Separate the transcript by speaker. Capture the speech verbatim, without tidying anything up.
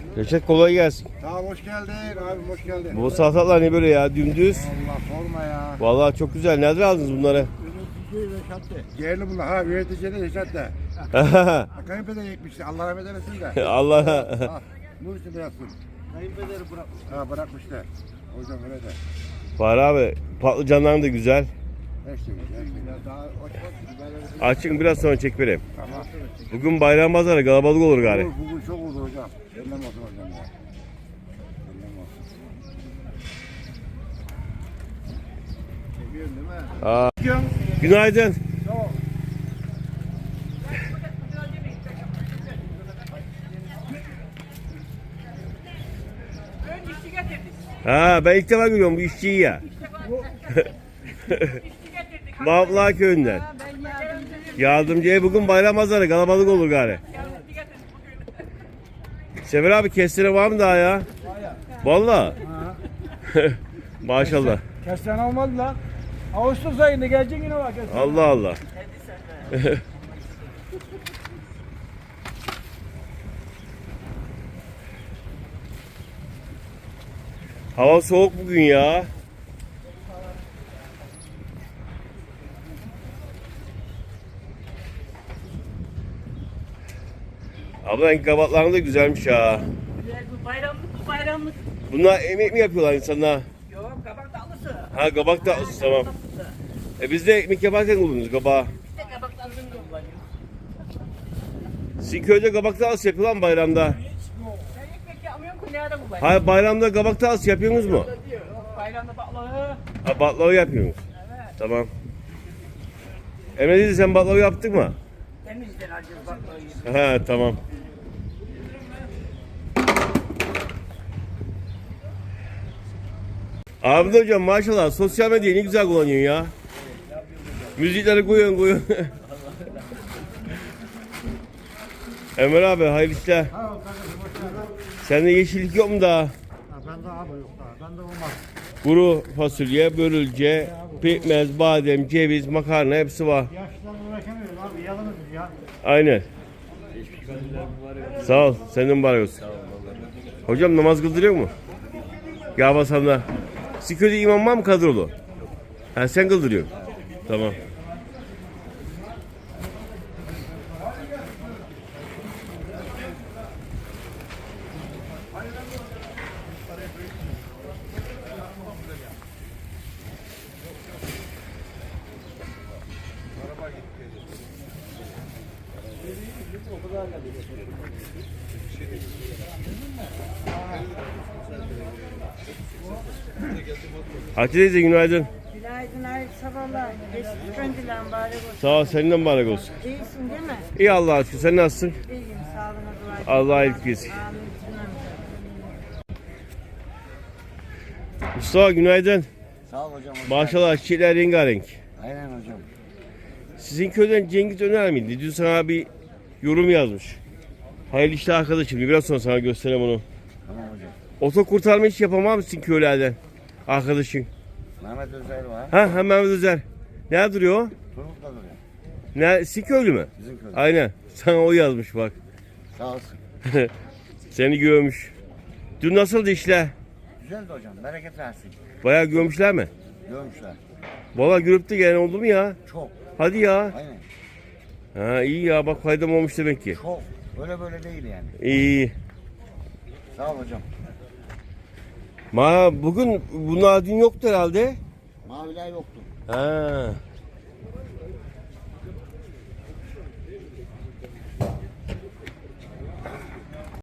Speaker 1: Reşat kolay gelsin.
Speaker 2: Tamam hoş geldin abi hoş geldin.
Speaker 1: Bu salatalar ne böyle ya dümdüz?
Speaker 2: Allah sorma ya.
Speaker 1: Vallahi çok güzel. Nereden aldınız bunları?
Speaker 2: Üretici Reşat'tı. Yerli bunlar ha üretici de Reşat'ta. Kayınpeder yetmişti Allah rahmet eylesin de.
Speaker 1: Allah.
Speaker 2: Ha, nur içinde yatsın. Kayınpederi bırakmış. Ha bırakmıştı. O yüzden öyle de.
Speaker 1: Var abi. Patlıcanların da güzel.
Speaker 2: Her şey güzel. Her şey güzel. Daha hoş bak.
Speaker 1: Açın biraz sonra çek vereyim.
Speaker 2: Tamam.
Speaker 1: Bugün bayram pazarı kalabalık olur gari.
Speaker 2: Bugün, bugün çok oldu hocam. Ellem olsun hocam ya. Ellem olsun. Çekiyorsun değil mi?
Speaker 1: Aa, günaydın.
Speaker 2: Tamam.
Speaker 3: Ön işçi getirdik.
Speaker 1: Ha ben ilk defa görüyorum bu işçiyi ya.
Speaker 3: İşçi getirdik.
Speaker 1: Mavla köyünden.
Speaker 3: Ben yardımcı
Speaker 1: Yardımcıya bugün bayram pazarı kalabalık olur gari.
Speaker 3: yardımcı getirdik bugün.
Speaker 1: Sefer abi kestire var mı daha ya? Vallahi. Maşallah.
Speaker 4: Kestane olmadı lan. Ağustos ayında gelecek yine bak. kestane.
Speaker 1: Allah Allah. Hava soğuk bugün ya. Abla kabakların da güzelmiş ha.
Speaker 3: Güzel bu bayramlık bu bayramlık.
Speaker 1: Bunlar emek mi yapıyorlar insanlar?
Speaker 3: Yok kabak tatlısı.
Speaker 1: Ha kabak tatlısı tamam.
Speaker 3: Tatlısı.
Speaker 1: E biz de ekmek yaparken kullanıyoruz kabağı.
Speaker 3: İşte kabak tatlısını kullanıyor.
Speaker 1: Sizin köyde kabak tatlısı yapıyorlar mı bayramda?
Speaker 3: Ben ekmek yapmıyorum ki nerede kullanıyor?
Speaker 1: Hayır bayramda kabak tatlısı yapıyorsunuz mu?
Speaker 3: Diyor. Bayramda baklava.
Speaker 1: Ha baklava yapıyorsunuz.
Speaker 3: Evet.
Speaker 1: Tamam. Emre dedi sen baklava yaptın mı?
Speaker 3: Temizden alacağız baklavayı.
Speaker 1: Ha tamam. Ahmet hocam maşallah sosyal medyayı ne güzel kullanıyorsun ya. Müzikleri koyuyorsun koyuyorsun. Ömer abi hayırlı işler. Sende yeşillik yok mu daha?
Speaker 2: Bende abi yok daha. Bende olmaz.
Speaker 1: Kuru fasulye, börülce, pekmez, badem, ceviz, makarna hepsi var.
Speaker 2: Yaşlılar uğraşamıyor abi. Yalnız ya.
Speaker 1: Aynen. Sağ ol. Senden mübarek olsun. Hocam namaz kıldırıyor mu? Ya basanlar. Sizin köyde imam var mı kadrolu? Ha sen kıldırıyorsun. Tamam. Hatice teyze günaydın.
Speaker 5: Günaydın, hayırlı sabahlar. Geçmiş göndilen bari olsun.
Speaker 1: Sağ ol senden mübarek olsun.
Speaker 5: İyisin değil mi?
Speaker 1: İyi Allah'a aşkına sen nasılsın?
Speaker 5: İyiyim, sağlığına dua et.
Speaker 1: Allah iyilik versin.
Speaker 5: Amin. cümlemize.
Speaker 1: Mustafa günaydın.
Speaker 2: Sağ ol hocam.
Speaker 1: Maşallah çiçekler rengarenk.
Speaker 2: Aynen hocam.
Speaker 1: Sizin köyden Cengiz Öner miydi? Dün sana bir yorum yazmış. Hayırlı işler arkadaşım. Biraz sonra sana göstereyim onu.
Speaker 2: Tamam hocam.
Speaker 1: Oto kurtarma hiç yapamam mısın köylerden? Arkadaşın.
Speaker 2: Mehmet Özel var.
Speaker 1: Ha ha Mehmet Özer. Nerede duruyor o?
Speaker 2: Turgut'ta duruyor.
Speaker 1: Ne, sizin köylü mü?
Speaker 2: Bizim köyde.
Speaker 1: Aynen. Sana o yazmış bak.
Speaker 2: Sağ olsun.
Speaker 1: Seni görmüş. Dün nasıldı işler?
Speaker 2: Güzeldi hocam. Bereket versin.
Speaker 1: Bayağı görmüşler mi?
Speaker 2: Görmüşler.
Speaker 1: Valla görüp de gelen oldu mu ya?
Speaker 2: Çok.
Speaker 1: Hadi ya.
Speaker 2: Aynen.
Speaker 1: Ha iyi ya bak faydam olmuş demek ki.
Speaker 2: Çok. Böyle böyle değil yani.
Speaker 1: İyi.
Speaker 2: Sağ ol hocam.
Speaker 1: Ma bugün bunlar dün yoktu herhalde.
Speaker 2: Maviler yoktu.
Speaker 1: Ha.